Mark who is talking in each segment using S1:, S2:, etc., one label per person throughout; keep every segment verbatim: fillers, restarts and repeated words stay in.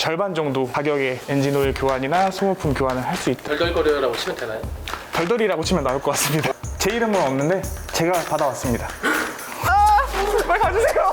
S1: 절반 정도 가격의 엔진 오일 교환이나 소모품 교환을 할 수 있다.
S2: 덜덜거려라고 치면 되나요?
S1: 덜덜이라고 치면 나올 것 같습니다. 제 이름은 없는데 제가 받아왔습니다. 아! 빨리 가주세요!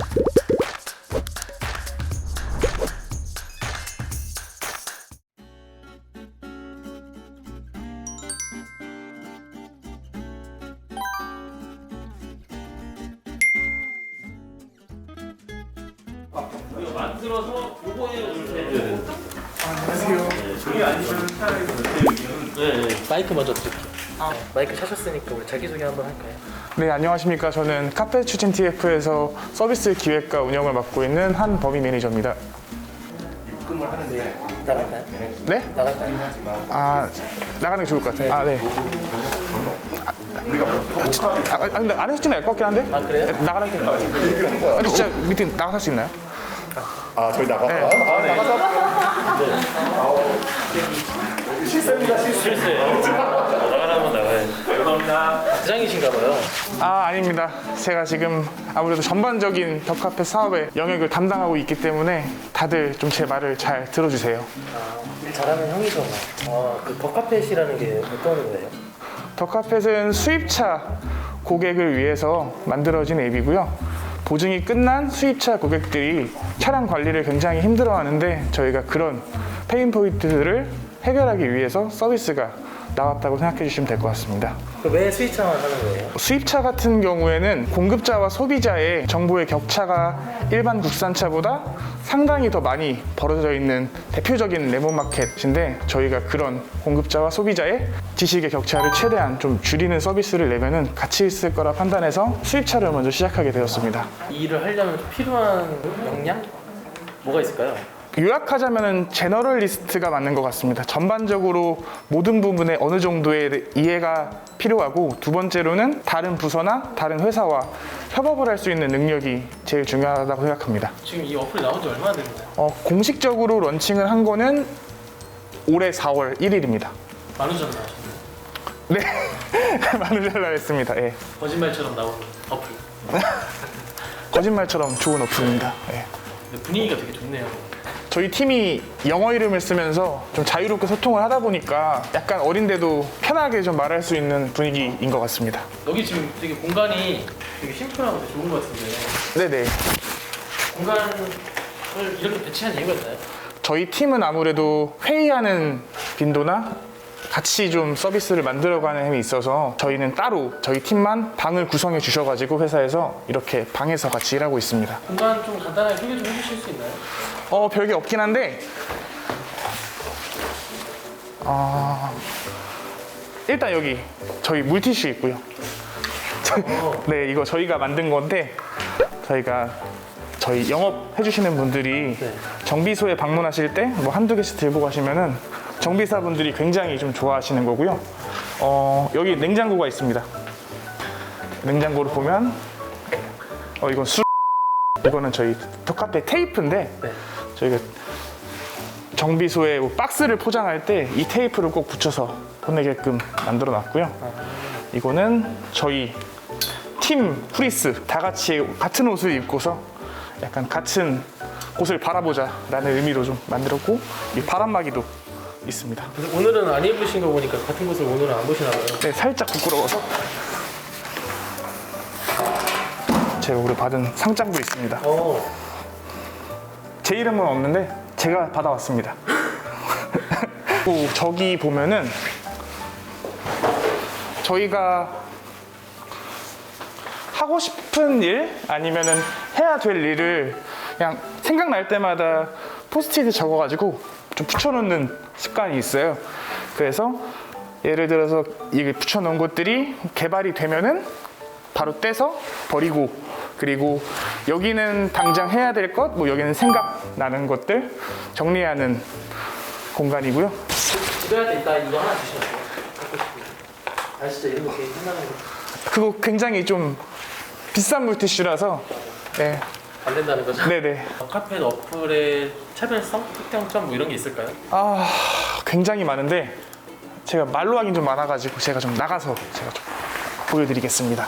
S2: 이거 만들어서 요거에 올려야
S1: 안녕하세요. 저기 아니면
S2: 네, 네. 마이크 먼저 드릴게요. 아. 마이크 차셨으니까 우리 자기소개 한번 할까요?
S1: 네, 안녕하십니까. 저는 카페 추진 티에프에서 서비스 기획과 운영을 맡고 있는 한범희 매니저입니다.
S2: 입금을 하는데 나갈까요?
S1: 네?
S2: 나갈까요?
S1: 아, 나가는 게 좋을 것 같아요. 아, 네. 아, 아, 근데 안 해도 될 것 같긴 한데?
S2: 아, 그래요?
S1: 나가는 게 나아요. 아니, 진짜 밑에 나가서 할 수 있나요?
S3: 아, 저희 나가서?
S1: 네.
S3: 아, 나가서? 실수입니다, 실수.
S2: 실수예요. 나가라면 나가야지. 감사합니다. 부장이신가 봐요.
S1: 아, 아닙니다. 제가 지금 아무래도 전반적인 덕카페 사업의 영역을 담당하고 있기 때문에 다들 좀 제 말을 잘 들어주세요.
S2: 아, 일 잘하는 형이죠. 아, 그 더카펫이라는 게 어떤 거예요?
S1: 덕카펫은 수입차 고객을 위해서 만들어진 앱이고요. 보증이 끝난 수입차 고객들이 차량 관리를 굉장히 힘들어하는데 저희가 그런 페인 포인트들을 해결하기 위해서 서비스가 나왔다고 생각해 주시면 될 것 같습니다.
S2: 왜 수입차만 하는 거예요?
S1: 수입차 같은 경우에는 공급자와 소비자의 정보의 격차가 일반 국산차보다 상당히 더 많이 벌어져 있는 대표적인 레몬마켓인데 저희가 그런 공급자와 소비자의 지식의 격차를 최대한 좀 줄이는 서비스를 내면은 가치 있을 거라 판단해서 수입차를 먼저 시작하게 되었습니다.
S2: 이 일을 하려면 좀 필요한 역량? 뭐가 있을까요?
S1: 요약하자면 제너럴리스트가 맞는 것 같습니다. 전반적으로 모든 부분에 어느 정도의 이해가 필요하고 두 번째로는 다른 부서나 다른 회사와 협업을 할 수 있는 능력이 제일 중요하다고 생각합니다.
S2: 지금 이 어플이 나온 지 얼마나 됐나요?
S1: 어, 공식적으로 런칭을 한 거는 올해 사월 일일입니다.
S2: 만우절 나왔어요.
S1: 네, 많은 잘 나왔습니다. 예.
S2: 거짓말처럼 나오는 어플.
S1: 거짓말처럼 좋은 어플입니다. 예.
S2: 근데 분위기가 되게 좋네요.
S1: 저희 팀이 영어 이름을 쓰면서 좀 자유롭게 소통을 하다 보니까 약간 어린데도 편하게 좀 말할 수 있는 분위기인 것 같습니다.
S2: 여기 지금 되게 공간이 되게 심플하고 되게 좋은 것 같은데
S1: 네네.
S2: 공간을 이렇게 배치한 이유가 있나요?
S1: 저희 팀은 아무래도 회의하는 빈도나 같이 좀 서비스를 만들어가는 힘이 있어서 저희는 따로 저희 팀만 방을 구성해 주셔가지고 회사에서 이렇게 방에서 같이 일하고 있습니다.
S2: 공간 좀 간단하게 소개 좀 해주실 수 있나요?
S1: 어, 별게 없긴 한데 어, 일단 여기 저희 물티슈 있고요. 네, 이거 저희가 만든 건데 저희가 저희 영업 해주시는 분들이
S2: 네.
S1: 정비소에 방문하실 때 뭐 한두 개씩 들고 가시면은 정비사분들이 굉장히 좀 좋아하시는 거고요. 어, 여기 냉장고가 있습니다. 냉장고를 보면 어, 이건 술 이거는 저희 덕카페 테이프인데
S2: 네.
S1: 저희가 정비소에 뭐 박스를 포장할 때 이 테이프를 꼭 붙여서 보내게끔 만들어 놨고요. 이거는 저희 팀 프리스 다 같이 같은 옷을 입고서 약간 같은 곳을 바라보자 라는 의미로 좀 만들었고 이 바람막이도 있습니다.
S2: 근데 오늘은 안 입으신 거 보니까 같은 곳을 오늘은 안 보시나 봐요.
S1: 네, 살짝 부끄러워서 제가 오늘 받은 상장도 있습니다.
S2: 어,
S1: 제 이름은 없는데 제가 받아왔습니다. 또 저기 보면은 저희가 하고 싶은 일 아니면은 해야 될 일을 그냥 생각날 때마다 포스트잇에 적어가지고 좀 붙여놓는 습관이 있어요. 그래서 예를 들어서 이게 붙여놓은 것들이 개발이 되면은 바로 떼서 버리고 그리고 여기는 당장 해야 될 것, 뭐 여기는 생각나는 것들 정리하는 공간이고요.
S2: 집에할 때 이따 이거 하나 주시면 돼요. 갖고 싶은데. 아 진짜 이런 거 되게 신나는 거.
S1: 그거 굉장히 좀 비싼 물티슈라서 네.
S2: 안 된다는 거죠?
S1: 네네.
S2: 카페 어플의 차별성, 특장점 뭐 이런 게 있을까요?
S1: 아 굉장히 많은데 제가 말로 하긴 좀 많아가지고 제가 좀 나가서 제가 좀 보여드리겠습니다.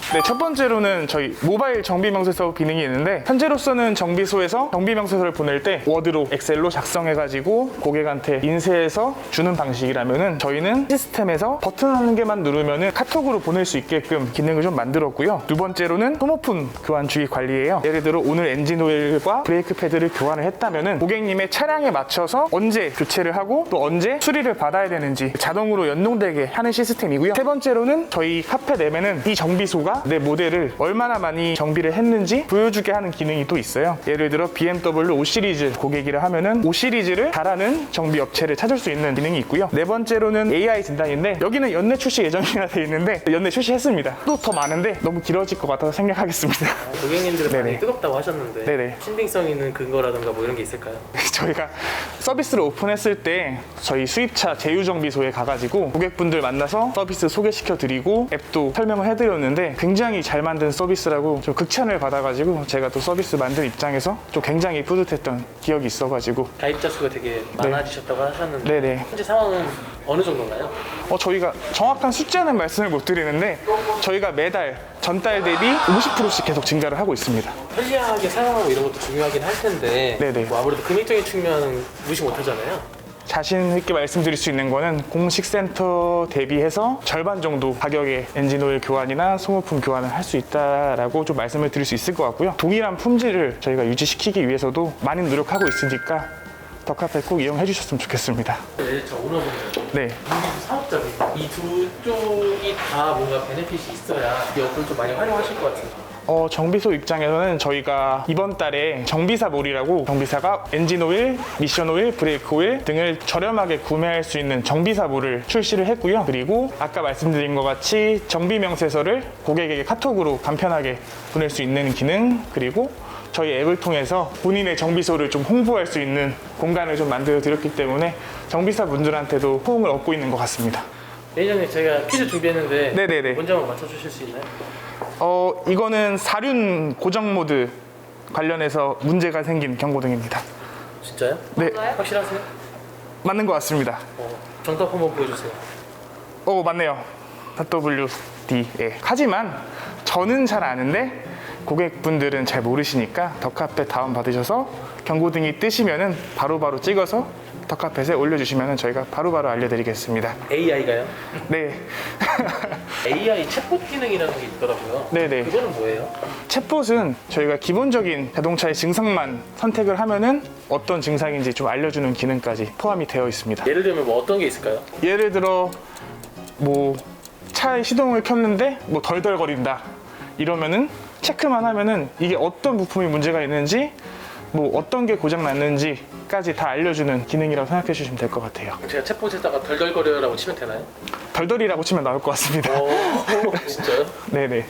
S1: 네, 첫 번째로는 저희 모바일 정비 명세서 기능이 있는데 현재로서는 정비소에서 정비 명세서를 보낼 때 워드로 엑셀로 작성해가지고 고객한테 인쇄해서 주는 방식이라면은 저희는 시스템에서 버튼 한 개만 누르면은 카톡으로 보낼 수 있게끔 기능을 좀 만들었고요. 두 번째로는 소모품 교환 주기 관리예요. 예를 들어 오늘 엔진 오일과 브레이크 패드를 교환을 했다면은 고객님의 차량에 맞춰서 언제 교체를 하고 또 언제 수리를 받아야 되는지 자동으로 연동되게 하는 시스템이고요. 세 번째로는 저희 카페 내면은 이 정비소가 내 모델을 얼마나 많이 정비를 했는지 보여주게 하는 기능이 또 있어요. 예를 들어 비엠더블유 오 시리즈 고객이라 하면은 오 시리즈를 잘하는 정비 업체를 찾을 수 있는 기능이 있고요. 네 번째로는 에이아이 진단인데 여기는 연내 출시 예정이라 되어 있는데 연내 출시했습니다. 또 더 많은데 너무 길어질 것 같아서 생략하겠습니다.
S2: 고객님들은 많이
S1: 네네.
S2: 뜨겁다고 하셨는데
S1: 네네.
S2: 신빙성 있는 근거라든가 뭐 이런 게 있을까요?
S1: 저희가 서비스를 오픈했을 때 저희 수입차 제휴정비소에 가가지고 고객분들 만나서 서비스 소개시켜 드리고 앱도 설명을 해드렸는데 굉장히 잘 만든 서비스라고 좀 극찬을 받아가지고 제가 또 서비스 만든 입장에서 좀 굉장히 뿌듯했던 기억이 있어가지고
S2: 가입자 수가 되게 많아지셨다고 하셨는데
S1: 네네.
S2: 현재 상황은 어느 정도인가요?
S1: 어, 저희가 정확한 숫자는 말씀을 못 드리는데 저희가 매달 전달 대비 오십 퍼센트씩 계속 증가를 하고 있습니다.
S2: 편리하게 사용하고 이런 것도 중요하긴 할 텐데
S1: 네네.
S2: 뭐 아무래도 금액적인 측면은 무시 못하잖아요.
S1: 자신 있게 말씀드릴 수 있는 거는 공식 센터 대비해서 절반 정도 가격의 엔진오일 교환이나 소모품 교환을 할 수 있다라고 좀 말씀을 드릴 수 있을 것 같고요. 동일한 품질을 저희가 유지시키기 위해서도 많이 노력하고 있으니까 더 카페 꼭 이용해 주셨으면 좋겠습니다.
S2: 네, 저 오너분들,
S1: 네.
S2: 인기도 사업자분 이 두 쪽이 다 뭔가 베네핏이 있어야 이 어플 좀 많이 활용하실 것 같아요.
S1: 어, 정비소 입장에서는 저희가 이번 달에 정비사몰이라고 정비사가 엔진오일, 미션오일, 브레이크오일 등을 저렴하게 구매할 수 있는 정비사몰을 출시를 했고요. 그리고 아까 말씀드린 것 같이 정비명세서를 고객에게 카톡으로 간편하게 보낼 수 있는 기능, 그리고 저희 앱을 통해서 본인의 정비소를 좀 홍보할 수 있는 공간을 좀 만들어 드렸기 때문에 정비사 분들한테도 호응을 얻고 있는 것 같습니다.
S2: 매니저님 제가 퀴즈 준비했는데
S1: 네네네.
S2: 문제 한번 맞춰주실 수 있나요?
S1: 어, 이거는 사륜 고정 모드 관련해서 문제가 생긴 경고등입니다.
S2: 진짜요?
S1: 네,
S2: 확실하세요?
S1: 맞는 것 같습니다.
S2: 어, 정답 한번 보여주세요.
S1: 어, 맞네요. 더블유 디. 예. 하지만 저는 잘 아는데 고객분들은 잘 모르시니까 더카펫 다운받으셔서 경고등이 뜨시면은 바로바로 찍어서 더카펫에 올려주시면 저희가 바로바로 알려드리겠습니다.
S2: 에이아이가요?
S1: 네.
S2: 에이아이 챗봇 기능이라는 게 있더라고요.
S1: 네네.
S2: 그거는 뭐예요?
S1: 챗봇은 저희가 기본적인 자동차의 증상만 선택을 하면은 어떤 증상인지 좀 알려주는 기능까지 포함이 되어 있습니다.
S2: 예를 들면 뭐 어떤 게 있을까요?
S1: 예를 들어 뭐 차의 시동을 켰는데 뭐 덜덜거린다 이러면은 체크만 하면은 이게 어떤 부품이 문제가 있는지 뭐 어떤 게 고장 났는지까지 다 알려주는 기능이라고 생각해 주시면 될 것 같아요.
S2: 제가 챗봇에다가 덜덜거려라고 치면 되나요?
S1: 덜덜이라고 치면 나올 것 같습니다.
S2: 오, 진짜요?
S1: 네네.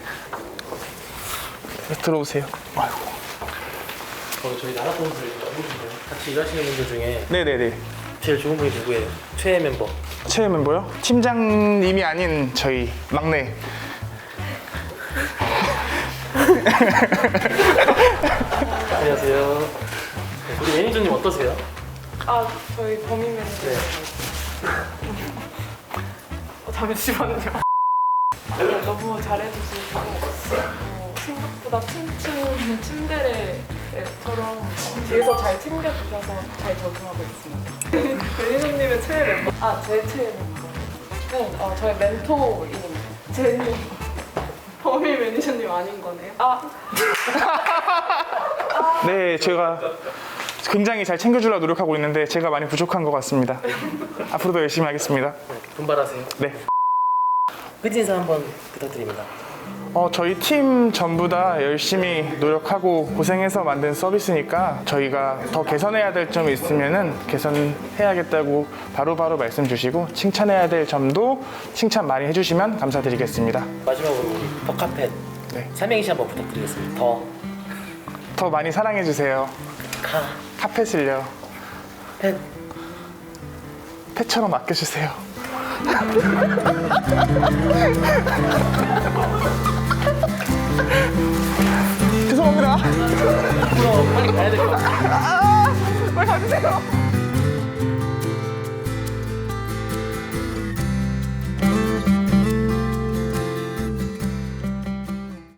S1: 들어오세요. 아이고.
S2: 어, 저희 나라 분들 너무 좋네요. 같이 일하시는 분들 중에
S1: 네네네.
S2: 제일 좋은 분이 누구예요? 최애 멤버.
S1: 최애 멤버요? 팀장님이 아닌 저희 막내.
S2: 안녕하세요. 우리 매니저님 어떠세요?
S4: 아, 저희 범인 매니저.
S2: 네.
S4: 어, 잠시만요. 네, 너무 잘해주시고 어, 생각보다 튼튼 침대레처럼 뒤에서 잘 챙겨주셔서 잘 적응하고 있습니다. 매니저님의 최애 멤버? 아, 제 최애 멤버는 어, 저의 멘토인 제니. 범인 매니저님 아닌 거네요? 아,
S1: 네, 제가 굉장히 잘 챙겨주려고 노력하고 있는데 제가 많이 부족한 것 같습니다. 앞으로도 열심히 하겠습니다.
S2: 분발하세요.
S1: 네.
S2: 끝인사 한번 부탁드립니다.
S1: 어, 저희 팀 전부 다 열심히 노력하고 고생해서 만든 서비스니까 저희가 더 개선해야 될 점이 있으면은 개선해야겠다고 바로바로 말씀 주시고 칭찬해야 될 점도 칭찬 많이 해주시면 감사드리겠습니다.
S2: 마지막으로 우리 더카펫
S1: 네.
S2: 삼행시 한번 부탁드리겠습니다. 더,
S1: 더 많이 사랑해주세요.
S2: 카,
S1: 카펫을요.
S2: 펫.
S1: 펫처럼 아껴주세요. 죄송합니다.
S2: 앞으로 빨리 가야 될 것 같아요.
S1: 빨리 가주세요.